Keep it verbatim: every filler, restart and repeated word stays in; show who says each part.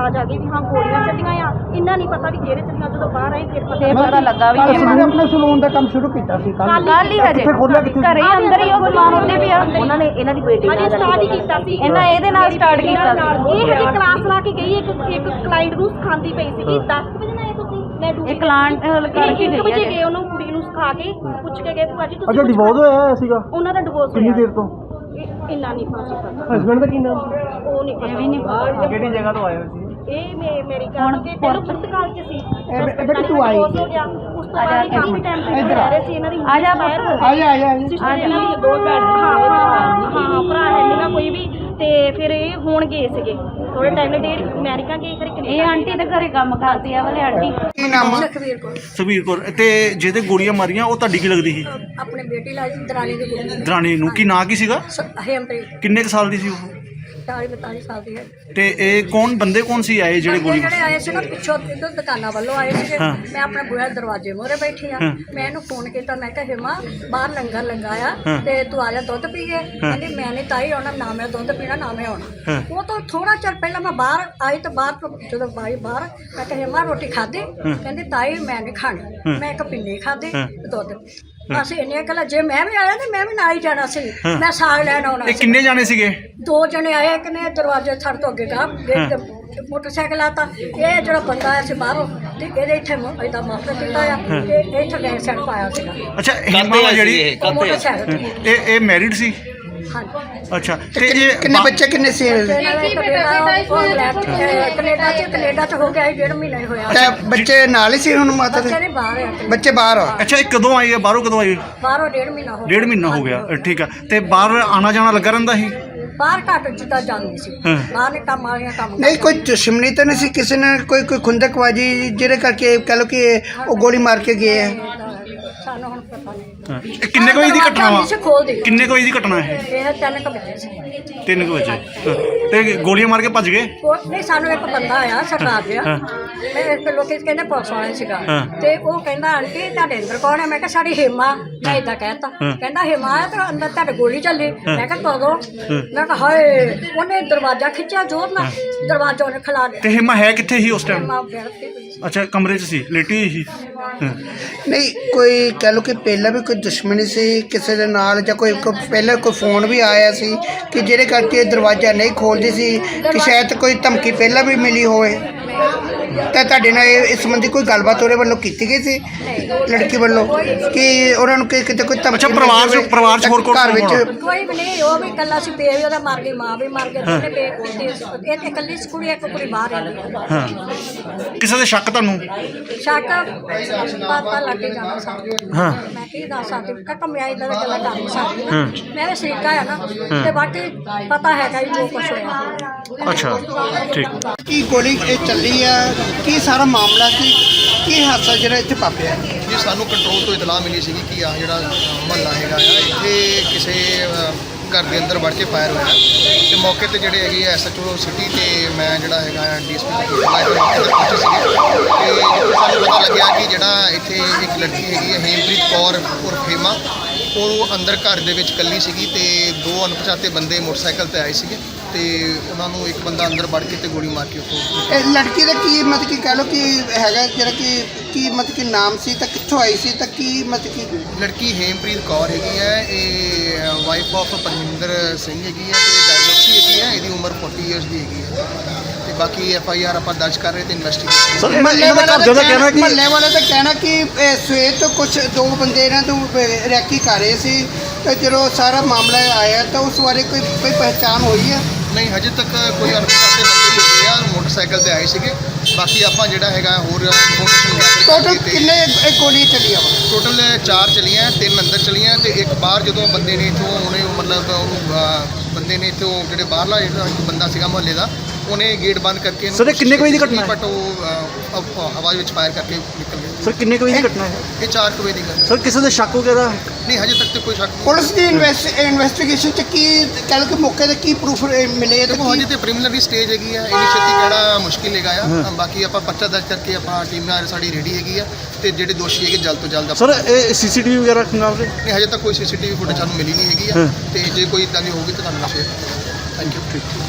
Speaker 1: ਆਵਾਜ਼ ਆ ਗਈ ਵੀ ਹਾਂ ਗੋਲੀਆਂ ਚੱਲੀਆਂ ਆ, ਇੰਨਾ ਨਹੀਂ ਪਤਾ ਵੀ ਕਿਹੜੇ ਚੱਲੀਆਂ। ਜਦੋਂ ਬਾਹਰ ਆਏ ਫਿਰ
Speaker 2: ਫਿਰ ਪਤਾ ਲੱਗਾ ਵੀ
Speaker 3: ਅਸੀਂ ਆਪਣੇ ਸਲੂਨ ਦਾ ਕੰਮ ਸ਼ੁਰੂ ਕੀਤਾ ਸੀ ਕੱਲ
Speaker 2: ਕੱਲ ਹੀ ਹਜੇ ਘਰੇ ਹੀ ਅੰਦਰ ਹੀ ਉਹ ਸਮਾਨ ਉੱਤੇ ਪਿਆ।
Speaker 4: ਉਹਨਾਂ ਨੇ ਇਹਨਾਂ ਦੀ ਬੇਟੀ
Speaker 1: ਹਜੇ ਸਟਾਰਟ ਹੀ ਕੀਤਾ ਸੀ
Speaker 2: ਇਹਨਾਂ ਇਹਦੇ ਨਾਲ ਸਟਾਰਟ ਕੀਤਾ ਸੀ।
Speaker 1: ਇਹ ਹਜੇ ਕਲਾਸ ਲਾ ਕੇ ਗਈ, ਇੱਕ ਇੱਕ ਕਲਾਇੰਟ ਨੂੰ ਸਿਖਾਉਂਦੀ ਪਈ ਸੀ। ਦਸ ਵਜੇ ਨਾ ਆਏ ਤੁਸੀਂ, ਮੈਂ ਡਿਊਟੀ
Speaker 2: ਇਹ ਕਲਾਂਟ ਕਰਕੇ
Speaker 1: ਇੱਕ ਵਜੇ
Speaker 2: ਗਈ
Speaker 1: ਗਏ, ਉਹਨੂੰ ਕੁੜੀ ਨੂੰ ਸਿਖਾ ਕੇ ਪੁੱਛ ਕੇ ਗਏ ਭੂਆ ਜੀ ਤੁਸੀਂ
Speaker 3: ਅੱਛਾ ਡਿਵੋਰਸ ਹੋਇਆ ਸੀਗਾ
Speaker 1: ਉਹਨਾਂ ਦਾ ਡਿਵੋਰਸ
Speaker 3: ਕਿੰਨੀ ਦੇਰ ਤੋਂ?
Speaker 1: ਇੰਨਾ ਨਹੀਂ ਪਤਾ,
Speaker 3: ਹਸਬੰਡ ਦਾ ਕੀ ਨਾਮ?
Speaker 1: ਉਹ ਨਹੀਂ ਪਤਾ।
Speaker 2: ਵੀ ਨਹੀਂ ਪਤਾ
Speaker 3: ਕਿਹੜੀ ਜਗ੍ਹਾ ਤੋਂ ਆਏ ਹੋ ਸੀ?
Speaker 1: ਇਹ ਮੇ ਮੇਰੀ ਗੱਲ ਤੇ ਪਹਿਲਾਂ ਪੁਰਤਗਾਲ ਚ ਸੀ।
Speaker 3: ਇਹ ਬੇਟੀ ਤੂੰ ਆਈ
Speaker 1: ਹੋ ਗਿਆ ਉਸ ਤੋਂ ਬਾਅਦ ਕਾਫੀ ਟਾਈਮ ਤੱਕ ਰਹਿ ਰਹੇ ਸੀ। ਇਹਨਾਂ ਦੀ
Speaker 2: ਆ ਜਾ
Speaker 1: ਬਾਹਰ
Speaker 3: ਆ ਜਾ ਆ ਜਾ
Speaker 1: ਸਿਸਟਰ ਇਹਨਾਂ ਦੀ ਦੋ ਭੈਣ ਹਾਂ ਹਾਂ ਹਾਂ ਭਰਾ ਹੈ ਮੇਰਾ ਕੋਈ ਵੀ। ਤੇ ਫਿਰ ਇਹ ਹੁਣ ਗਏ ਸੀਗੇ ਥੋੜੇ ਟਾਈਮ ਲਈ ਡੇਢ ਅਮਰੀਕਾ ਗਏ, ਫਿਰ
Speaker 2: ਇਹ
Speaker 1: ਕੈਨੇਡਾ।
Speaker 2: ਆਂਟੀ ਦੇ ਘਰੇ ਕੰਮ ਕਰਦੀ ਆ ਵਾਲੇ ਆਂਟੀ।
Speaker 3: ਕੀ ਨਾਮ ਆ?
Speaker 1: ਸੁਖਵੀਰ ਕੋਲ
Speaker 5: ਸੁਖਬੀਰ ਕੌਰ। ਤੇ ਜਿਹਦੇ ਗੋਲੀਆਂ ਮਾਰੀਆਂ ਉਹ ਤੁਹਾਡੀ ਕੀ ਲੱਗਦੀ ਸੀ?
Speaker 1: ਆਪਣੇ ਬੇਟੀ ਲਾਈ ਦਰਾਣੀ ਦੀ ਕੁੜੀ
Speaker 5: ਦਰਾਣੀ ਨੂੰ। ਕੀ ਨਾਂ ਕੀ ਸੀਗਾ?
Speaker 1: ਹੇਮਪ੍ਰੀਤ
Speaker 5: ਕਿੰਨੇ ਕੁ ਸਾਲ ਦੀ ਸੀ ਉਹ?
Speaker 1: ਚਾਲੀ ਬਤਾਲੀ ਸਾਲ ਦੀ ਹੈ।
Speaker 5: ਤੇ ਇਹ ਕੌਣ ਬੰਦੇ ਕੌਣ ਸੀ ਆਏ ਜਿਹੜੇ ਗੋਲੀ?
Speaker 1: ਜਿਹੜੇ ਆਏ ਸੀ ਨਾ ਪਿੱਛੋਂ ਇੱਧਰ ਦੁਕਾਨਾਂ ਵੱਲੋਂ ਆਏ ਸੀਗੇ।
Speaker 5: ਹਾਂ।
Speaker 1: ਮੈਂ ਆਪਣੇ ਬੂਹੇ ਦਰਵਾਜ਼ੇ ਮੂਹਰੇ ਬੈਠੀ ਆ।
Speaker 5: ਹਾਂ।
Speaker 1: ਮੈਂ ਇਹਨੂੰ ਫੋਨ ਕੀਤਾ, ਮੈਂ ਕਿਹਾ ਹਿਮਾ ਬਾਹਰ ਲੰਗਰ ਲੰਗਾਇਆ
Speaker 5: ਹਾਂ।
Speaker 1: ਤੇ ਤੂੰ ਆ ਜਾ ਦੁੱਧ ਪੀਏ। ਕਹਿੰਦੀ ਮੈਂ ਨਹੀਂ ਤਾਈ ਆਉਣਾ, ਨਾ ਮੈਂ ਦੁੱਧ ਪੀਣਾ ਨਾ ਮੈਂ ਆਉਣਾ।
Speaker 5: ਹਾਂ।
Speaker 1: ਉਹ ਤੋਂ ਥੋੜਾ ਚਿਰ ਪਹਿਲਾਂ ਮੈਂ ਬਾਹਰ ਆਈ ਤਾਂ ਬਾਹਰ ਤੋਂ ਜਦੋਂ ਬਾਈ ਬਾਹਰ ਮੈਂ ਕਿਹਾ ਹਿਮਾ ਰੋਟੀ ਖਾਧੀ? ਕਹਿੰਦੀ ਤਾਈ ਮੈਂ ਨਹੀਂ ਖਾਣੀ। ਮੈਂ ਇੱਕ ਪਿੰਨੀ ਖਾਧੀ ਤੇ ਦੁੱਧ ਪੀ। ਅਸੀਂ ਇੰਨੀਆਂ ਗੱਲਾਂ, ਜੇ ਮੈਂ ਵੀ ਆਇਆ ਤੇ ਮੈਂ ਵੀ ਨਾਲ ਹੀ ਜਾਣਾ ਸੀ। ਮੈਂ ਸਾਗ ਲੈਣ ਆਉਣਾ
Speaker 5: ਇਹ
Speaker 1: ਸੀ।
Speaker 5: ਕਿੰਨੇ ਜਾਣੇ ਸੀਗੇ?
Speaker 1: ਦੋ ਜਣੇ ਆਏ, ਇੱਕ ਨੇ ਦਰਵਾਜ਼ੇ ਛੱਡ ਤੋਂ ਅੱਗੇ ਗਾ ਗੇਟ ਤੇ ਮੋਟਰਸਾਈਕਲ ਆਤਾ। ਇਹ ਜਿਹੜਾ ਬੰਦਾ ਆਇਆ ਸੀ ਬਾਹਰੋਂ ਤੇ ਇਹਦੇ ਇੱਥੇ ਇਹਦਾ ਮਾਫਰ ਕੀਤਾ ਆ ਤੇ ਇੱਥੇ ਗੈਸ ਸੈਂਡ ਪਾਇਆ ਸੀਗਾ
Speaker 5: ਅੱਛਾ ਹਿਮਾ ਵਾ ਜਿਹੜੀ,
Speaker 1: ਉਹ ਮੋਟਰਸਾਈਕਲ ਤੇ।
Speaker 5: ਇਹ ਇਹ ਮੈਰਿਡ ਸੀ?
Speaker 1: ਹਾਂਜੀ।
Speaker 5: ਅੱਛਾ ਤੇ ਇਹ
Speaker 3: ਕਿੰਨੇ ਬੱਚੇ ਕਿੰਨੇ ਸੀ?
Speaker 1: ਇਹਨਾਂ ਦਾ ਇੱਕ ਬੇਟਾ ਉਹ ਇੰਗਲੈਂਡ ਚ, ਅਹ, ਕੈਨੇਡਾ ਚ ਕੈਨੇਡਾ ਚ ਹੋ ਗਿਆ ਸੀ, ਡੇਢ ਮਹੀਨਾ ਹੀ ਹੋਇਆ।
Speaker 3: ਤੇ ਬੱਚੇ ਨਾਲ ਹੀ ਸੀ ਹੁਣ ਮਾਤਾ ਦੇ?
Speaker 1: ਬੱਚੇ ਨੇ ਬਾਹਰ ਆ,
Speaker 3: ਬੱਚੇ ਬਾਹਰ ਆ?
Speaker 5: ਅੱਛਾ ਇਹ ਕਦੋਂ ਆਈ ਹੈ? ਬਾਹਰੋਂ ਕਦੋਂ ਆਈ?
Speaker 1: ਬਾਹਰੋਂ ਡੇਢ ਮਹੀਨਾ ਹੋ ਗਿਆ।
Speaker 5: ਡੇਢ ਮਹੀਨਾ ਹੋ ਗਿਆ। ਠੀਕ ਆ। ਤੇ ਬਾਹਰ ਆਣਾ ਜਾਣਾ ਲੱਗਾ ਰਹਿੰਦਾ ਸੀ?
Speaker 1: ਬਾਹਰ ਘੱਟ ਜਿੱਦਾਂ ਜਾਂਦੀ ਸੀ।
Speaker 5: ਹਾਂ।
Speaker 1: ਬਾਹਰ ਨੇ ਕੰਮ ਵਾਲੀਆਂ ਕੰਮ
Speaker 3: ਨਹੀਂ ਕੋਈ ਦੁਸ਼ਮਣੀ ਤਾਂ ਨਹੀਂ ਸੀ ਕਿਸੇ ਨੇ? ਕੋਈ ਕੋਈ ਖੁੰਦਕਬਾਜੀ ਜਿਹਦੇ ਕਰਕੇ ਕਹ ਲਓ ਕਿ ਉਹ ਗੋਲੀ ਮਾਰ ਕੇ ਗਏ ਹੈ?
Speaker 1: ਸਾਨੂੰ ਹੁਣ ਪਤਾ ਨਹੀਂ।
Speaker 5: ਹਾਂ। ਇਹ ਕਿੰਨੇ ਕੁ ਵਜੇ ਦੀ ਘਟਨਾ ਵਾ?
Speaker 1: ਖੋਲਦੀ
Speaker 5: ਕਿੰਨੇ ਕੁ ਵਜੇ ਦੀ ਘਟਨਾ ਹੈ?
Speaker 1: ਇਹ ਤਿੰਨ ਕੁ ਵਜੇ ਸੀ।
Speaker 5: ਤਿੰਨ ਕੁ ਵਜੇ। ਹਾਂ। ਤੇ ਗੋਲੀਆਂ ਮਾਰ ਕੇ ਭੱਜ ਗਏ?
Speaker 1: ਉਹ ਨਹੀਂ, ਸਾਨੂੰ ਇੱਕ ਬੰਦਾ ਆਇਆ ਸਰਦਾਰ ਜਿਹਾ।
Speaker 5: ਹਾਂ।
Speaker 1: ਮੈਂ ਇੱਕ ਲੋਕੀ ਕਹਿੰਦੇ ਪੁਲਿਸ ਵਾਲੇ ਸੀਗਾ।
Speaker 5: ਹਾਂ।
Speaker 1: ਤੇ ਉਹ ਕਹਿੰਦਾ ਆਂਟੀ ਤੁਹਾਡੇ ਅੰਦਰ ਕੌਣ ਹੈ? ਮੈਂ ਕਿਹਾ ਸਾਡੀ ਹੇਮਾ। ਮੈਂ ਇਦਾਂ ਕਹਿਤਾ।
Speaker 5: ਹਾਂ।
Speaker 1: ਕਹਿੰਦਾ ਹੇਮਾ ਹੈ ਤੇ ਅੰਦਰ ਤੁਹਾਡੇ ਗੋਲੀ ਚੱਲੀ। ਮੈਂ ਕਿਹਾ ਕਦੋਂ? ਮੈਂ ਕਿਹਾ ਹਾਏ। ਉਹਨੇ ਦਰਵਾਜ਼ਾ ਖਿੱਚਿਆ ਜ਼ੋਰ ਨਾਲ, ਦਰਵਾਜ਼ਾ ਉਹਨੇ ਖਿਲਾ
Speaker 5: ਤੇ
Speaker 1: ਦਿੱਤਾ।
Speaker 5: ਹਿਮਾ ਹੈ ਕਿੱਥੇ ਸੀ ਉਸ ਟਾਈਮ?
Speaker 1: ਹੇਮਾ ਬੈਠੀ ਹੋਈ ਸੀ।
Speaker 5: ਅੱਛਾ ਕਮਰੇ 'ਚ ਸੀ, ਲੇਟੀ ਹੋਈ ਸੀ? ਹਾਂ।
Speaker 3: ਨਹੀਂ ਕੋਈ ਕਹ ਲਓ ਕਿ ਪਹਿਲਾਂ ਵੀ ਕੋਈ ਦੁਸ਼ਮਣੀ ਸੀ ਕਿਸੇ ਦੇ ਨਾਲ, ਜਾਂ ਕੋਈ ਕੋਈ ਪਹਿਲਾਂ ਕੋਈ ਫੋਨ ਵੀ ਆਇਆ ਸੀ ਕਿ ਜਿਹੜੇ ਕਰਕੇ ਦਰਵਾਜ਼ਾ ਨਹੀਂ ਖੋਲਦੀ ਸੀ, ਕਿ ਸ਼ਾਇਦ ਕੋਈ ਧਮਕੀ ਪਹਿਲਾਂ ਵੀ ਮਿਲੀ ਹੋਵੇ? ਤਾਂ ਤੁਹਾਡੇ ਨਾਲ ਇਹ ਇਸ ਸੰਬੰਧੀ ਕੋਈ ਗੱਲਬਾਤ ਉਹਦੇ ਵੱਲੋਂ ਕੀਤੀ ਗਈ ਸੀ ਲੜਕੀ ਵੱਲੋਂ ਕਿ ਉਹਨਾਂ ਨੂੰ ਕਿ ਕਿਤੇ ਕੋਈ ਧਮਕੀ?
Speaker 5: ਅੱਛਾ ਪਰਿਵਾਰ 'ਚ ਪਰਿਵਾਰ 'ਚ ਹੋਰ ਕੌਣ
Speaker 3: ਘਰ ਵਿੱਚ?
Speaker 1: ਕੋਈ ਵੀ ਨਹੀਂ, ਉਹ ਵੀ ਇਕੱਲਾ ਸੀ। ਪੇ ਵੀ ਉਹਦਾ ਮਰ ਗਈ, ਮਾਂ ਵੀ ਮਰ ਗਈ, ਦੋਨੇ ਪੇ ਕੋਲ ਇਹ ਤੇ ਇਕੱਲੀ ਸੀ ਕੁੜੀ, ਇੱਕ ਕੁੜੀ ਬਾਹਰ ਰਹਿੰਦੀ ਹੈ।
Speaker 5: ਹਾਂ। ਕਿਸੇ ਦੇ ਸ਼ੱਕ ਤੁਹਾਨੂੰ?
Speaker 1: ਸ਼ੱਕ ਪਤਾ ਲੱਗ ਕੇ ਜਾਣਾ ਸਾਨੂੰ।
Speaker 5: ਹਾਂ।
Speaker 1: ਮੈਂ ਕੀ ਦੱਸ ਸਕਦੀ ਕਿ ਕਮਿਆਈ ਦਾ ਤਾਂ ਗੱਲਾਂ ਕਰ ਨਹੀਂ ਸਕਦੀ।
Speaker 5: ਹਾਂ।
Speaker 1: ਮੇਰੇ ਸ਼ਰੀਕਾ ਆ ਨਾ ਤੇ ਬਾਕੀ ਪਤਾ ਹੈਗਾ ਜੀ ਜੋ ਕੁਛ ਹੋਇਆ।
Speaker 5: ਅੱਛਾ ਠੀਕ।
Speaker 3: ਕੀ ਗੋਲੀ ਇਹ ਚੱਲੀ ਆ? ਕੀ ਸਾਰਾ ਮਾਮਲਾ ਸੀ? ਕੀ ਹਾਦਸਾ ਜਿਹੜਾ ਇੱਥੇ ਵਾਪਰਿਆ?
Speaker 6: ਜੀ ਸਾਨੂੰ ਕੰਟਰੋਲ ਤੋਂ ਇਤਲਾਹ ਮਿਲੀ ਸੀਗੀ ਕਿ ਆ ਜਿਹੜਾ ਮਹੱਲਾ ਹੈਗਾ ਆ ਇੱਥੇ ਕਿਸੇ ਅ, ਘਰ ਦੇ ਅੰਦਰ ਵੜ ਕੇ ਫਾਇਰ ਹੋਇਆ ਤੇ ਮੌਕੇ ਤੇ ਜਿਹੜੇ ਹੈਗੇ ਐਸ ਐਚ ਓ ਸਿਟੀ ਤੇ ਮੈਂ ਜਿਹੜਾ ਹੈਗਾ ਡੀ ਐਸ ਪੀ ਮੌਕੇ ਤੇ ਪਹੁੰਚੇ ਸੀਗੇ ਤੇ ਜਿੱਥੇ ਸਾਨੂੰ ਪਤਾ ਲੱਗਿਆ ਕਿ ਜਿਹੜਾ ਇੱਥੇ ਇੱਕ ਲੜਕੀ ਹੈਗੀ ਹੈ ਹੇਮਪ੍ਰੀਤ ਕੌਰ ਉਰਫ ਹੇਮਾ, ਉਹ ਅੰਦਰ ਘਰ ਦੇ ਵਿੱਚ ਇਕੱਲੀ ਸੀਗੀ ਤੇ ਦੋ ਅਣਪਛਾਤੇ ਬੰਦੇ ਮੋਟਰਸਾਈਕਲ ਤੇ ਆਏ ਸੀਗੇ ਤੇ ਉਹਨਾਂ ਨੂੰ ਇੱਕ ਬੰਦਾ ਅੰਦਰ ਵੜ ਕੇ ਤੇ ਗੋਲੀ ਮਾਰ ਕੇ ਉੱਥੋਂ।
Speaker 3: ਇਹ ਲੜਕੀ ਦਾ ਕੀ ਮਤਲਬ ਕਿ ਕਹਿ ਲਓ ਕਿ ਹੈਗਾ ਜਿਹੜਾ ਕਿ ਕੀ ਮਤਲਬ ਕਿ ਨਾਮ ਸੀ ਤਾਂ ਕਿੱਥੋਂ ਆਈ ਸੀ ਤਾਂ ਕੀ ਮਤਲਬ ਕਿ?
Speaker 6: ਲੜਕੀ ਹੇਮਪ੍ਰੀਤ ਕੌਰ ਹੈਗੀ ਹੈ, ਇਹ ਵਾਈਫ ਆਫ ਪਰਮਿੰਦਰ ਸਿੰਘ ਹੈਗੀ ਹੈ ਤੇ ਡਾਇਵੋਰਸੀ ਹੈਗੀ ਹੈ, ਇਹਦੀ ਉਮਰ ਚਾਲੀ ਇਅਰਸ ਦੀ ਹੈਗੀ ਹੈ ਤੇ ਬਾਕੀ ਐਫ ਆਈ ਆਰ ਆਪਾਂ ਦਰਜ ਕਰ ਰਹੇ ਤੇ ਇਨਵੈਸਟੀਗੇਸ਼ਨ।
Speaker 5: ਸਰ ਮਹੱਲੇ ਵਾਲਾ ਦਾ ਕਹਿਣਾ ਕਿ
Speaker 3: ਮਹੱਲੇ ਵਾਲੇ ਦਾ ਕਹਿਣਾ ਕਿ ਇਹ ਸਵੇਰ ਤੋਂ ਕੁਝ ਦੋ ਬੰਦੇ ਇਹਨਾਂ ਤੋਂ ਰੈਕੀ ਕਰ ਰਹੇ ਸੀ ਤੇ ਜਦੋਂ ਸਾਰਾ ਮਾਮਲਾ ਆਇਆ ਤਾਂ ਉਸ ਬਾਰੇ ਕੋਈ ਕੋਈ ਪਹਿਚਾਣ ਹੋਈ ਹੈ?
Speaker 6: ਨਹੀਂ ਹਜੇ ਤੱਕ ਕੋਈ ਅਣਪਛਾਤੇ ਬੰਦੇ ਹੀ ਹੈਗੇ ਆ, ਮੋਟਰਸਾਈਕਲ ਤੇ ਆਏ ਸੀਗੇ। ਬਾਕੀ ਆਪਾਂ ਜਿਹੜਾ ਹੈਗਾ ਹੋਰ ਇਨਫੋਰਮੇਸ਼ਨ ਗੈਦਰ
Speaker 3: ਟੋਟਲ
Speaker 6: ਕਰਕੇ
Speaker 3: ਕਿੰਨੇ ਇਹ ਗੋਲੀ ਚੱਲੀਆਂ ਵਾ?
Speaker 6: ਟੋਟਲ ਚਾਰ ਚਲੀਆਂ, ਤਿੰਨ ਅੰਦਰ ਚਲੀਆਂ ਤੇ ਇੱਕ ਬਾਹਰ ਜਦੋਂ ਬੰਦੇ ਨੇ ਇੱਥੋਂ ਉਹਨੇ ਮਤਲਬ ਉਹਨੂੰ ਅਹ, ਬੰਦੇ ਨੇ ਇੱਥੋਂ ਜਿਹੜੇ ਬਾਹਰਲਾ ਜਿਹੜਾ ਇੱਕ ਬੰਦਾ ਸੀਗਾ ਮੁਹੱਲੇ ਦਾ, ਉਹਨੇ ਗੇਟ ਬੰਦ ਕਰਕੇ
Speaker 5: ਸਰ, ਇਹ ਕਿੰਨੇ ਕੁ ਵਜੇ ਦੀ ਘਟਨਾ ਹੈ?
Speaker 6: ਬਟ ਉਹ ਅਹ, ਹਵਾ ਵਿੱਚ ਫਾਇਰ ਕਰਕੇ ਨਿਕਲ ਗਏ।
Speaker 5: ਸਰ ਕਿੰਨੇ ਕੁ ਵਜੇ ਦੀ ਘਟਨਾ ਹੈ?
Speaker 6: ਇਹ ਚਾਰ ਕੁ ਵਜੇ ਦੀ ਗੱਲ ਹੈ।
Speaker 5: ਸਰ ਕਿਸੇ ਦੇ ਸ਼ੱਕ ਵਗੈਰਾ?
Speaker 6: ਨਹੀਂ ਹਜੇ ਤੱਕ ਤੇ ਕੋਈ ਸ਼ੱਕ ਨਹੀਂ।
Speaker 3: ਪੁਲਿਸ ਦੀ ਇਨਵੈਸਟੀਗੇਸ਼ਨ ਚ ਕੀ ਕਹਿ ਲਓ ਕਿ ਮੌਕੇ ਤੇ ਕੀ ਪ੍ਰੂਫ ਮਿਲੇ?
Speaker 6: ਦੇਖੋ ਹਜੇ ਤੇ ਪ੍ਰੀਲਿਮਿਨਰੀ ਸਟੇਜ ਹੈਗੀ ਆ, ਇੰਨੀ ਛੇਤੀ ਕਿਹੜਾ ਮੁਸ਼ਕਿਲ ਹੈਗਾ ਆ। ਬਾਕੀ ਆਪਾਂ ਪਰਚਾ ਦਰਜ ਕਰਕੇ ਆਪਾਂ ਟੀਮ ਨਾਲ ਸਾਡੀ ਰੈਡੀ ਹੈਗੀ ਆ ਤੇ ਜਿਹੜੇ ਦੋਸ਼ੀ ਹੈਗੇ ਜਲਦ ਤੋਂ ਜਲਦ
Speaker 5: ਸਰ ਇਹ ਸੀਸੀਟੀਵੀ ਵਗੈਰਾ ਖੰਗਾਲ ਰਹੇ?
Speaker 6: ਨਹੀਂ ਹਜੇ ਤੱਕ ਕੋਈ ਸੀਸੀਟੀਵੀ ਫੁਟੇਜ ਸਾਨੂੰ ਮਿਲੀ ਨਹੀਂ ਹੈਗੀ ਆ ਤੇ ਜੇ ਕੋਈ ਇਦਾਂ ਦੀ ਹੋਊਗੀ ਤਾਂ ਤੁਹਾਨੂੰ ਸ਼ੇਅਰ। Thank you.